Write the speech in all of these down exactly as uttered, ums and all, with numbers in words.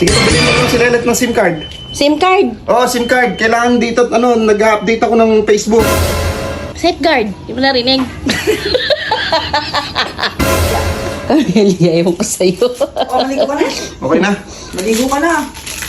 Sige, pabili mo lang si Lelet ng SIM card. SIM card? Oo, SIM card. Kailangan dito, ano, nag-update ako ng Facebook. Safeguard? Di mo narinig? Camelia, ewan ko sa'yo. Oh, maligo ka na. Okay na? Maligo ka na.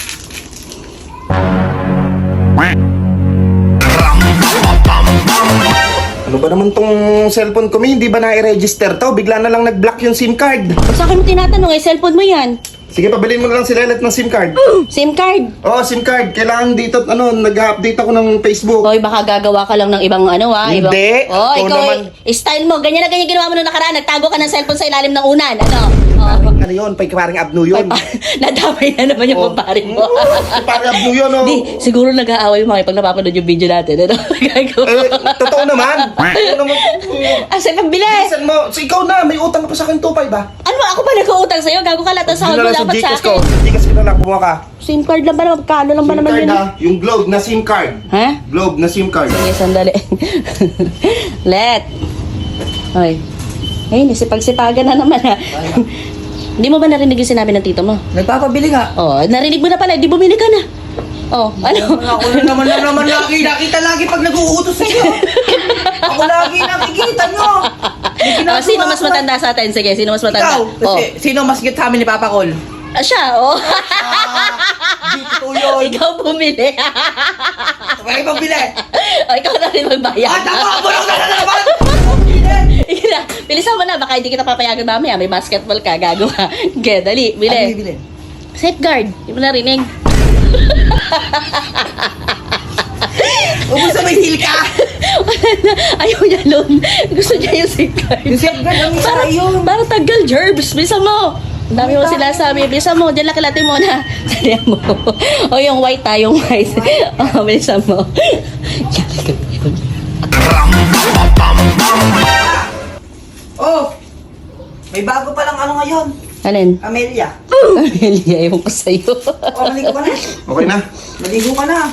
Ano ba naman tong cellphone ko, Mi? Hindi ba na-register to? Bigla na lang nag-block yung SIM card. Ba't sa akin mo tinatanong eh, cellphone mo yan? Sige, pabili mo lang si Lelet ng SIM card. SIM card? Oo, SIM card. Kailangan dito, ano, nag-update ako ng Facebook. Hoy, baka gagawa ka lang ng ibang ano ha? Hindi. Ibang... Oh, Ikaw ikaw naman. eh, style mo. Ganyan na ganyan ginawa mo nung nakaraan. Nagtago ka ng cellphone sa ilalim ng unan. Ano? Oh. Ano yun? Pay parang abno yun. Nadamay na naman yung Oh. pamparin mo. Mm, parang abno yun, oh. Di, siguro nag-aaway mo pag napapanood yung video natin. Ano? Gagawa. Eh, totoo naman. Totoo naman. Ah, sa'yo pambili. Bilisan mo. So, ikaw na, may utang ka pa sa akin, two five ba? Ano ba? Ako ba nag-uutang sa'yo? Gago ka lahat ng sahod mo Dinala dapat sa Gcash ko. akin. Gcash ko na lang, kumuha ka. SIM card lang ba naman? Kano lang ba SIM naman card yun? ha? Yung Globe na SIM card. Ha? Globe na SIM card. Sige, sandali. Let. Hoy. Ay, nisipag-sipagan na naman ha. Hindi mo ba narinig yung sinabi ng tito mo? Nagpapabili nga. Oh, narinig mo na pala. Di bumili ka na. Oh, ano? Ako na naman na naman lagi. Nakita lagi pag nag-uutos sa iyo. Ako lagi nakikita nyo. May Oh, ginagawa sino mas ko. matanda sa atin? Sige, sino mas matanda? Ikaw. Oh. Kasi sino mas git sa amin ni Papa Col? Ah, siya, oh. Ah, di totoo yun. Ikaw bumili. May pabili. Oh, ikaw na rin magbayad. Ah, tama. Bulong na na naman. Ika na, bilisan mo na. Baka hindi kita papayagan mamaya. May basketball ka. Gago ka. Okay, dali. Bili. Ano bibili? Safeguard. Di mo narinig? Huwag mo sa may heel ka. Ayaw niya loan. Gusto niya yung safeguard. Yung safeguard, ang isa Parang, yun. parang tagal, Jerbs. Bilisan mo. Ang dami mo sila sabi. Bilisan mo. Diyan lakilati mo na. Salihan mo. O yung white ha. Yung white. O, bilisan mo. Oh, may bago palang ano ngayon. Alin? Amelia. Camelia, ewan ko sa'yo. Oh, maligo ka na. Okay na? Maligo ka na.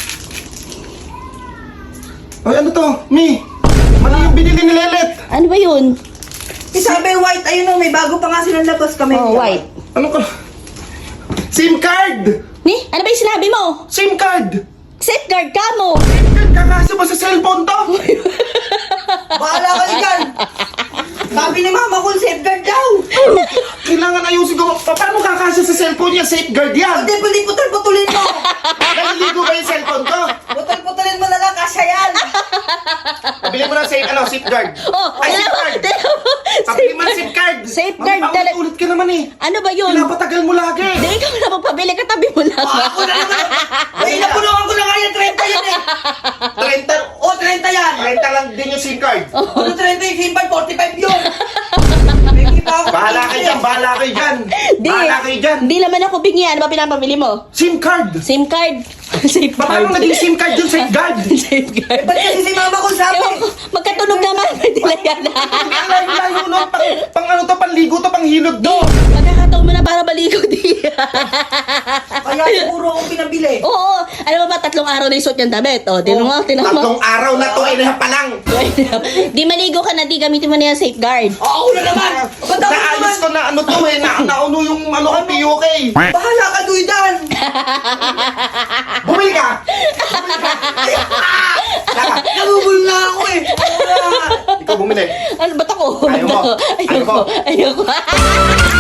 Ay, ano to? Mi! Mali yung binili ni Lelet! Ano ba yun? Eh, sabi white, ayun o, may bago pa nga silang labas kami. Oh, white. Ano ka? SIM card! Ni? Ano ba yung sinabi mo? SIM card! Safeguard ka mo! SIM card, kakasa ba sa cellphone to? Bahala ka dyan. Sabi ni Mama Col, safeguard daw. Kailangan ayusin ko. Pa- Paano kakasa sa cellphone niya? Safeguard yan! Hindi, pwede putol-putulin mo. Naliligo ba yung cellphone ko? Putol-putulin mo na lang, kasya yan. Pabili mo ng safe, ano, safeguard. Oh, Ay, alam mo, safeguard! alam mo, Pabili mo ng safeguard! Safeguard Mami, talaga. paulit-ulit ka naman eh. Ano ba yun? Pinapatagal mo lagi. Hindi, ikaw na magpabili, katabi mo lang. Oh, ako na naman. Ay, napulungan ko na nga yan, thirty yan eh. trenta, Oh, thirty yan. trenta lang din yung SIM card. Ano thirty yung simbal, forty-five yun. May iba ako. Bahala kayo dyan, bahala kayo dyan. Di, Bahala kayo dyan. Hindi naman ako bingi. Ano ba pinapabili mo? SIM card. SIM card. Safeguard. Paano naging SIM card yung safeguard? Safeguard. Ba't kasi si Mama Col sabi? Ewan ko, magkatunog naman. Pwede na yan. Ang layo-layo nun. Pang, pang ano to, panligo to, pang hilod to. Magkakataon mo na para baligo di. Kaya siguro akong pinabili. Oo. Alam mo ba, tatlong araw na yung suot niyang damit. O, tinan mo, tinan mo. Tatlong araw na to, ay pa lang. Di maligo ka na, di gamitin mo na yung safeguard. Oh, ako na naman. Ba't ako naman? Naalis ko na ano to eh, na, nauno yung ano ko, P U K. Bahala ka, Duidan. Bumili ka. Nabubul na ako eh. Wala. Ikaw bumili. Ano, ba't ako? Ayaw mo. Ba't ako? Ayaw mo. Ayoko. Ayoko.